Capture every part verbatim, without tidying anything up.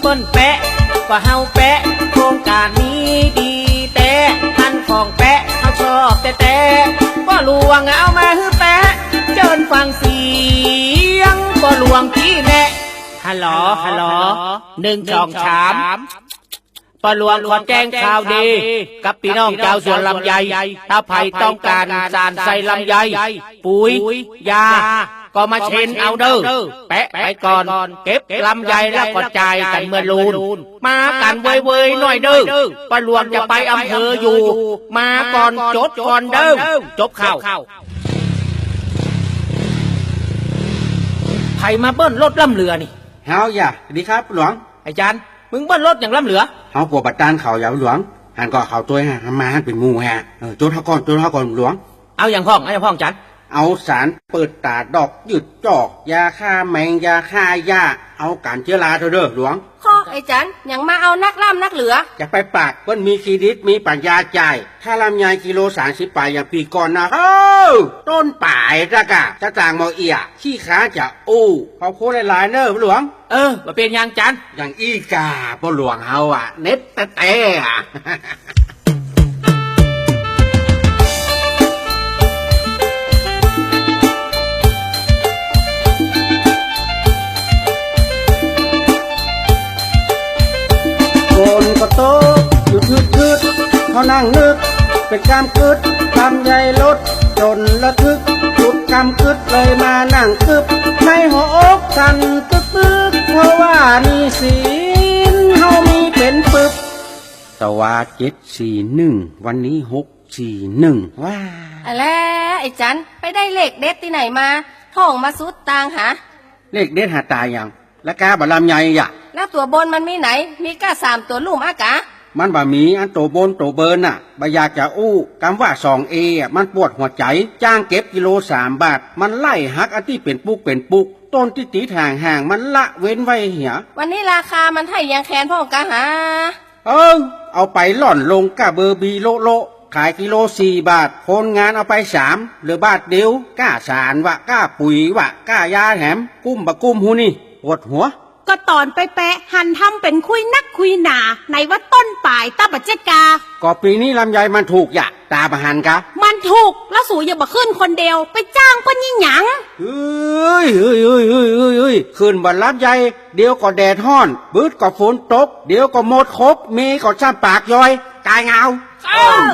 ปิ้นแปะก็เฮาแปะโครงการนี้ดีแต่ท่านของแปะเขาชอบแต่แต่ก็ลวงเอามาฮื้อแปะเจิญฟังเสียงก็ลวงที่แน่ฮัลโหลฮัลโหลหนึ่งสองสามปลวงขอแจ้งข่าวดีกับพี่น้องชาวสวนลำไยถ้าไผ่ต้องการสารใส่ลำไยปุ๋ยยาก็มาเช็นเอาเด้อแปะไปก่อนเก็บลำไยแล้วก็จ่ายกันเมื่อลูนมากันเว้ยๆหน่อยเด้อปลวงจะไปอำเภออยู่มาก่อนจดก่อนเด้อจบข่าวไผ่มาเบิ้ลรถล่ำเรือนี่เฮาอย่าดีครับหลวงไอ้จันมึงเบิ้ลรถอย่างล่ำเรือเฮาปวดบัดตานเขาอย่าหลวงหันก็เขาตัวฮะมาหันเป็นงูฮะเออโจทย์เฮาก่อนโจทย์เฮาก่อนหลวงเอาอย่างพ่องเอาอย่างพ่องจันเอาสารเปิดตาดอกหยุดจอกยาฆ่าแมงยาฆ่าหญ้าเอาการเชื้อราเถอะเด้อหลวงข้อไอ้จันยังมาเอานักล่ำนักเหลือจะไปปากเปิ้นมีเครดิตมีปัญญาจ่ายถ้าลำไยกิโลสามสิบปลายอย่างปีก่อนนะเฮ้าต้นป่ายจ้ากะจะจางมอเอียขี้ขาจะอู้เขาโคหลายๆเด้อหลวงเออมาเป็นยังจันอย่างอีกาพ่อหลวงเฮาอ่ะเน็ตแต่แต่อ่ะคนก็โตอยู่คืดคืดเขานั่งนึกเป็นกำคืดกำใหญ่ลดจนระทึกจุดกำคืดเลยมานั่งคึบในหัวอกสั่นตึกตึกเพราะว่านี่ศีลเฮามีเป็นปึบสวาเจ็ดสี่หนึ่งวันนี้หกสี่หนึ่งว้าอะไรไอ้จันไปได้เลขเด็ดที่ไหนมาท่องมาสุดตางหาเลขเด็ดหาตายอย่างและกาบะลำใหญ่อย่าแล้วตัวบนมันมีไหนมีก้าสามตัวลุ่มอากามันบะมีอันโตบนโตเบินน่ะบะอยากจะอู้คำว่าสองเอมันปวดหัวใจจ้างเก็บกิโลสามบาทมันไล่หักอันที่เป็นปุกเป็นปุกต้นที่ตีทางห่างมันละเว้นไว้เหียวันนี้ราคามันให้ยังแคนพ่อกะหาเออเอาไปหล่อนลงกะเบอร์บีโลโลขายกิโลสี่บาทคนงานเอาไปสามหรือบาทเดียวก้าสารวะก้าปุ๋ยวะก้ายาแถมกุ้มบะกุ้มหูนี่ปวดหัวก็ตอนไปแปะหันทำเป็นคุยนักคุยหนาในว่าต้นป่ายตาบัจเจกาก็ปีนี้ลำไยมันถูกอย่าตาประหันกะมันถูกแล้วสูอย่าบ่ขึ้นคนเดียวไปจ้างก็ยิ่งหยังเฮ้ยเฮ้ยเฮ้ยเฮ้ยเฮ้ยเฮ้ยขึ้นบันลำไยเดี๋ยวก็แดดห้อนบืดก็ฝนตกเดี๋ยวก็หมดครบมีก็ช้ำปากย่อยกายเงาเออ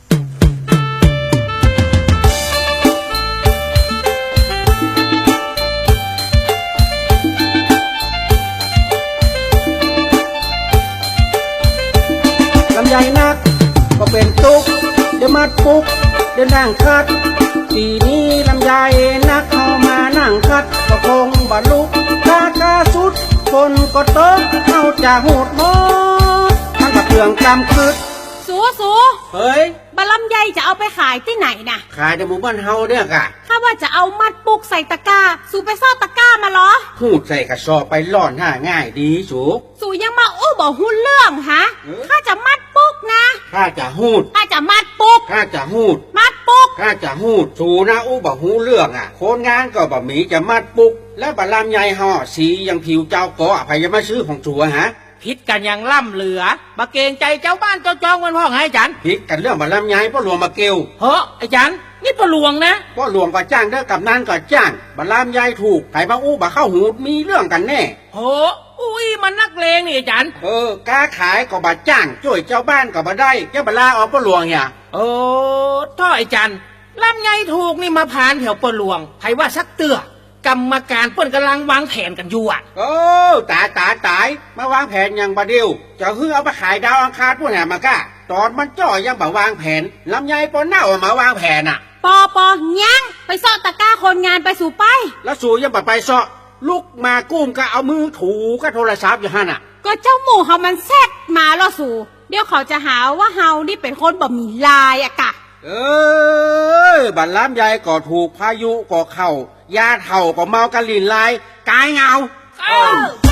ลำไยนักก็เป็นตุกเดี๋ยวมัดปุกเดี๋ยวนั่งคัดปีนี้ลำไยนักเข้ามานั่งคัดก็คงบรรลุกากาสุดคนก็ตกเข้าจะหูดหมดทั้งกับเปลืองกำคืดสูสูเฮ้ยบะลำไยจะเอาไปขายที่ไหนนะขายในหมู่บ้านเฮาเนี่ยกะถ้าว่าจะเอามัดปุกใส่ตะกร้าสูไปซ่อนตะกร้ามาเหรอหูดใส่กระสอบไปล่อนหน้าง่ายดีสูสูยังมาอู้บอกหุ้นเรื่องฮะข้าจะมัดปุกนะข้าจะหูดข้าจะมัดปุกข้าจะหูดมัดปุกข้าจะหูดสูนะอู้บอกหูเรื่องอ่ะคนงานก็บะหมี่จะมัดปุกแล้วบะลำไยห่อสียังผิวเจ้าก็อภัยจะมาซื้อของสัวฮะพิษกันอย่างล่ำเหลือบะเกงใจเจ้าบ้านเจ้าจองมันพ่อไงจันพิษกันเรื่องบะลำไยพ่อหลวงมาเกลเฮ้อไอ้จันนี่พ่อหลวงนะพ่อหลวงก็จ้างเด้อกับนั่นก็จ้างบะลำไยถูกไผ่มาอู้บะเข้าหูมีเรื่องกันแน่โหอุ้ยมันนักเลงนี่ไอ้จันเออกาขายก็บะจ้างช่วยเจ้าบ้านก็บะได้แกบะลาออกพ่อหลวงเนี่ยโอ้ท่อไอ้จันลำไยถูกนี่มาผ่านแถวพ่อหลวงไผ่ว่าสักเตือกรรมการเปิ้นกำลังวางแผนกันอยู่อ่ะโอ้ตายตายตายมาวางแผนอย่างบะเดียวจะฮื้อเอาไปขายดาวอังคารพวกไหนมากะตอนมันจ่อยังบ่วางแผนลำไยปนเน่ามาวางแผนอ่ะปอปอยังไปซ่อตะกร้าคนงานไปสู่ไปแล้วสู่ยังบ่ไปซ่อลุกมากุ้มก็เอามือถูก็โทรศัพท์อยู่หั่นอ่ะก็เจ้าหมูเขามันแซดมาล่อสู่เดี๋ยวเขาจะหาว่าเฮานี่เป็นคนบ่มีลายอะกะเออบัดลำไยก็ถูกพายุก็เข้ายาเถ่าก็เมากะลินลายกายเงาเออ